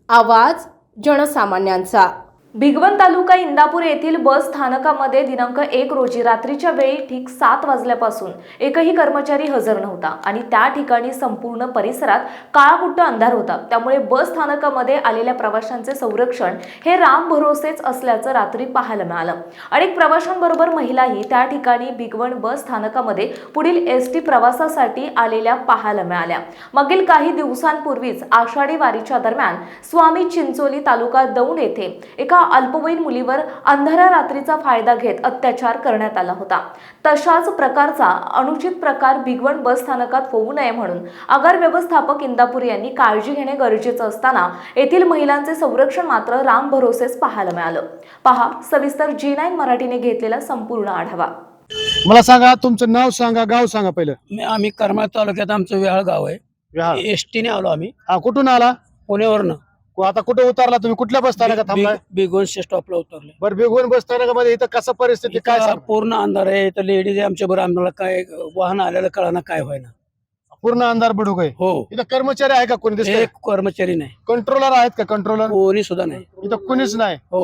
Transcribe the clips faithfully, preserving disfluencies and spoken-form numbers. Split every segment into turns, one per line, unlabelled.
आवाज जनसामान्यांचा। भिगवण तालुका इंदापूर येथील बस स्थानकामध्ये दिनांक एक रोजी रात्रीच्या वेळी ठीक सात वाजल्यापासून एकही कर्मचारी हजर नव्हता आणि त्या ठिकाणी संपूर्ण परिसरात काळाकुट्ट अंधार होता। त्यामुळे बस स्थानकामध्ये आलेल्या प्रवाशांचे संरक्षण हे राम भरोसेच असल्याचं रात्री पाहायला मिळालं। अनेक प्रवाशांबरोबर महिलाही त्या ठिकाणी भिगवण बस स्थानकामध्ये पुढील एस टी प्रवासासाठी आलेल्या पाहायला मिळाल्या। मागील काही दिवसांपूर्वीच आषाढी वारीच्या दरम्यान स्वामी चिंचोली तालुका दौंड येथे एका अल्पवयीन मुलीवर अंधाऱ्या रात्रीचा फायदा घेत अत्याचार करण्यात आला होता। तशाच प्रकारचा अनुचित प्रकार भिगवण बस स्थानकात होऊ नये म्हणून आगार व्यवस्थापक इंदापूर यांनी काळजी घेणे गरजेचं असताना येथील महिलांचे संरक्षण मात्र राम भरोसेच पाहायला मिळालं। पहा सविस्तर जी नाईन मराठीने घेतलेला संपूर्ण आढावा।
मला सांगा तुमचं नाव सांगा, गाव सांगा पहिलं।
मी आम्ही करमाळ तालुक्यात आमचं वेहाळ गाव आहे। एसटीने आलो आम्ही।
हा, कुठून आला?
पुण्यावरनं।
आता कुठे उतरला तुम्ही? कुठल्या बस स्थानकात थांबलाय?
भिगवण स्टॉपला उतरले।
बरं, भिगवण बस स्थानकामध्ये इथं कसं परिस्थिती काय सांग?
पूर्ण अंधार आहे। इथं लेडीज आहे आमच्या बरोबर। आम्हाला काय वाहन आलेलं कळना काय व्हायना।
पूर्ण अंधार बुडूक आहे।
हो।
इथं कर्मचारी आहे का? कोणी दिसतंय?
एक कर्मचारी नाही।
कंट्रोलर आहेत का? कंट्रोलर
कोणी सुद्धा नाही
इथं कुणीच नाही।
हो,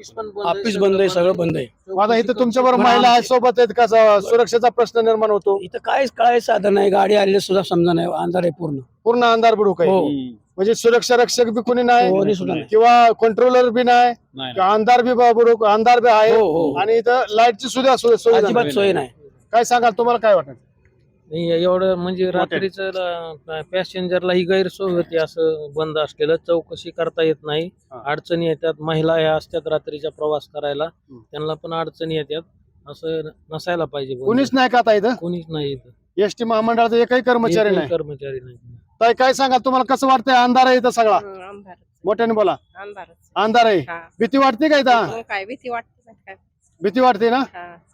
ऑफिस बंद आहे, सगळं बंद आहे।
आता इथं तुमच्या बरोबर महिला आहेत सोबत आहेत का? सुरक्षेचा प्रश्न निर्माण होतो?
इथं काहीच कळायचं साधन नाही। गाडी आलेली सुद्धा समजा नाही। अंधार आहे पूर्ण।
पूर्ण अंधार बुडूक आहे।
हो।
म्हणजे सुरक्षा रक्षक बी कोणी
कोणी
नाही
सुद्धा नाही।
किंवा कंट्रोलर बी नाही किंवा अंधार बी बुडूक अंधार बी आहे।
हो, हो।
आणि इथं लाईटची सुद्धा सोय
अजिबात
नाही।
सोय नाही।
काय सांगाल? तुम्हाला काय वाटत?
नाही एवढं म्हणजे रात्रीचं पॅसेंजरला ही गैरसोय होती। असं बंद असलेलं चौकशी करता येत नाही। अडचणी येतात। महिला ह्या असतात रात्रीचा प्रवास करायला, त्यांना पण अडचणी येतात। असं नसायला पाहिजे।
कोणीच नाही का आता इथं?
कोणीच नाही इथं।
एसटी महामंडळाचा एकही कर्मचारी नाही।
कर्मचारी नाही।
ताई काय सांगाल? तुम्हाला कसं वाटतंय? अंधार आहे इथं सगळा? मोठ्याने बोला। अंधार आहे। भीती वाटते का इथं?
काय भीती वाटते? काय
भीती वाटते ना?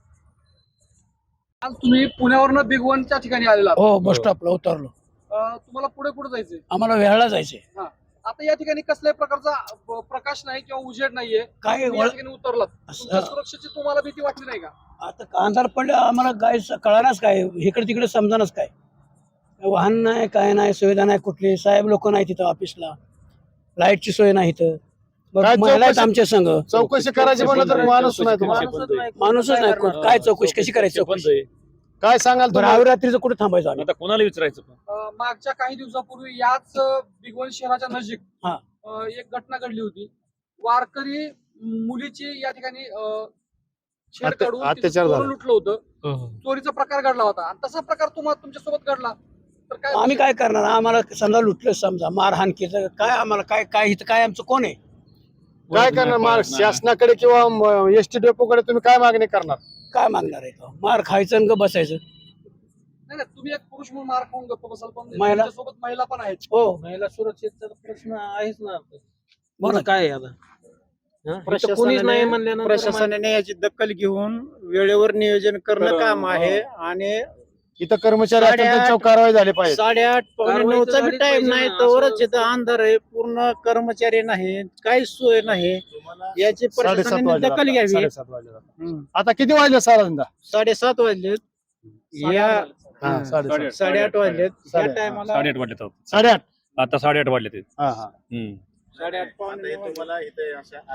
तुम्ही पुण्यावरनं भिगवणच्या ठिकाणी आलेला आहात।
हो, बस स्टॉपला उतरलो।
अं, तुम्हाला पुढे कुठे जायचंय?
आम्हाला वेहाळला जायचंय।
हा. आता या ठिकाणी कसल्याही प्रकारचा ब- प्रकाश नाही किंवा उजेड नाहीये।
काय
तुम्ही या ठिकाणी उतरलात, तुमच्या सुरक्षेची तुम्हाला भीती वाटली नाही का?
आता अंधार पडलं आम्हाला काय कळणारच काय, इकडे तिकडे समजानच काय। वाहन नाही, काय नाही, सुविधा नाही कुठली। साहेब लोक नाही तिथं ऑफिसला, लाईटची सोय नाही इथं।
काय
महिला आहेत
चौकशी-
आमच्या संघ।
चौकशी करायची म्हणलं तर माणूस नाही तुम्हाला।
माणूसच नाही कोण। काय चौकशी कशी करायची? चौकशी
काय सांगाल
बरं,
तुम्ही?
आवी रात्रीचं कुठे थांबायचं आम्ही?
आता कोणाला विचारायचं?
अं, मागच्या काही दिवसापूर्वी याच अं, भिगवण शहराच्या नजीक
हा.
अं, एक घटना घडली होती। वारकरी मुलीची या ठिकाणी अं, छेड
अत्या-
काढून
अत्याचार
तिचं
झाला.
चोरून लुटलं होतं। चोरीचा प्रकार घडला होता आणि तसा प्रकार तुम्हाला तुमच्या सोबत घडला तर काय?
आम्ही काय करणार? आम्हाला समजा लुटलं, समजा मारहाण केलं, काय आम्हाला काय काय इथं काय आमचं कोण आहे?
काय करणार? मार शासनाकडे किंवा एसटी डेपोकडे तुम्ही काय मागणी करणार?
काय मागणार आहे तो? मार खायचं आणि ग बसायचं।
नाही नाही, तुम्ही एक पुरुष म्हणून मार खाऊन गप्प बसाल, पण
महिला-
सोबत महिला पण आहेत।
हो,
महिला सुरक्षेचा प्रश्न आहेच ना।
बोला.
काय आहे आता? हा? इथं कोणीच नाही म्हणल्यानंतर
प्रशासनाने याची दखल घेऊन वेळेवर नियोजन करणं काम आहे आणि
इथं कर्मचारी असतील
साडेआठ-
त्यांच्यावर कारवाई झाली पाहिजे।
साडेआठ पावणे
कारवाई
नऊचा
तर
बी
झालीच
टाइम
पाहिजे
नाही
ना,
तोवरच
असं-
इथं अंधार आहे, पूर्ण कर्मचारी नाही, काहीच सोय नाही। याची
साडेसात
प्रशासनाने
वाजले
दखल घ्यावी।
साडेसात वाजले
हम्म.
आता किती वाजले? साधारणतः
साडेसात वाजलेत या
हा, साडेसात.
साडेआठ वाजलेत या
साडे-
टायमाला
साडेआठ वाजले तर
साडेआठ
आता साडेआठ वाजले ते.
हा हा
हम्म.
साडेआठ पावणे नऊ वाजले.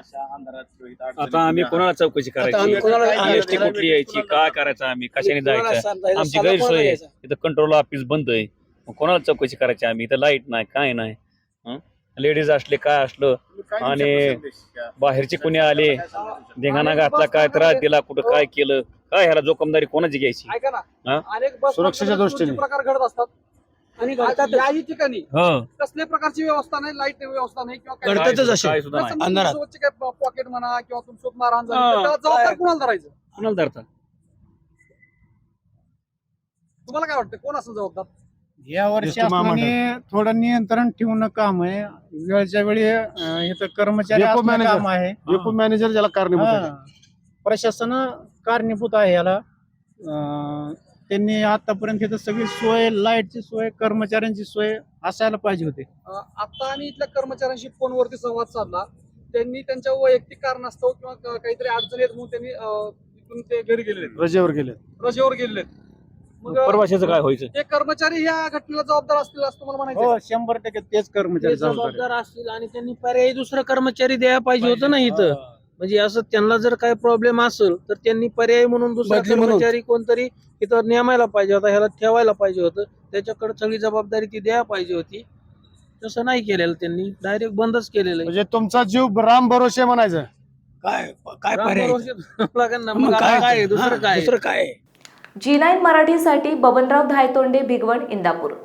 आता आम्ही कोणाला चौकशी
आता आम्ही
करायची?
कोणाला-
एसटी कुठली यायची? काय करायचं? आम्ही कशाने
कोणाला
जायचं?
समजायचं?
आमची
सल्ला कोणाला
गैरसोय आहे।
घ्यायचा?
इथं कंट्रोल ऑफिस बंद आहे, मग कोणाला चौकशी करायची आम्ही? इथं लाईट नाही, काय नाही। लेडीज असले काय असलं आणि बाहेरचे कोणी आले, धिंगाणा घातला, काय त्रास दिला, कुठं काय केलं, काय ह्याला जोखमदारी कोणाची घ्यायची?
ऐका
हा?
ना, अनेक बस
सुरक्षेच्या
स्थानकात
दृष्टीने.
चोरीचे प्रकार घडत असतात आणि
घडतातच.
याही ठिकाणी
हं.
कसल्याही प्रकारची व्यवस्था नाही, लाईट व्यवस्था नाही किंवा काय
घडतातच
नाही.
असे.
काय सुद्धा नाही.
समजा
अंधारात.
तुमच्यासोबतचे काय पॉकेट म्हणा किंवा तुमच्यासोबत मारहाण झाली
हा,
तर त्याला जबाबदार
काय?
कोणाला धरायचं?
कोणाला धरतात?
तुम्हाला काय वाटतं कोण असं जबाबदार?
या वर्षी
एसटी महामंडळ.
शासनाने थोडं नियंत्रण ठेवणं काम आहे। वेळच्या वेळी अं, इथं कर्मचारी
डेपो
असणं
मॅनेजर.
काम आहे।
डेपो मॅनेजर ज्याला कारणीभूत आहे.
हा. प्रशासन कारणीभूत आहे याला। अं, त्यांनी आतापर्यंत इथं सगळी सोय, लाईटची सोय, कर्मचाऱ्यांची सोय असायला पाहिजे होती।
अं, आता आम्ही इथल्या कर्मचाऱ्यांशी फोनवरती संवाद साधला। त्यांनी त्यांच्या वैयक्तिक कारणास्तव किंवा क- काहीतरी अडचणी आहेत म्हणून त्यांनी अं, इथून ते घरी गेलेले आहेत,
रजेवर गेले.
रजेवर गेलेले आहेत। मग
प्रवाशाचं काय व्हायचं?
हे कर्मचारी या घटनेला जबाबदार असतील असं तुम्हाला म्हणायचं
हो शंभर टक्के तेच कर्मचारी
ते
जबाबदार
जबाबदार असतील आणि त्यांनी पर्यायी दुसरा कर्मचारी द्यायला पाहिजे होतं ना इथं. म्हणजे असं त्यांना जर काही प्रॉब्लेम असेल तर त्यांनी पर्याय म्हणून दुसरा
बदली म्हणून.
कर्मचारी कोणतरी इथं नेमायला पाहिजे होता, ह्याला ठेवायला पाहिजे होतं, त्याच्याकडे सगळी जबाबदारी ती द्यायला पाहिजे होती. तसं नाही केलेलं त्यांनी, डायरेक्ट बंदच केलेलं आहे.
म्हणजे तुमचा जीव राम भरोसे म्हणायचं.
काय काय पर्याय
लागेल ना,
मग
मग आता काय दुसरं
हा,
काय
दुसरं काय
जी नाईन मराठीसाठी बबनराव धायतोंडे, भिगवण, इंदापूर.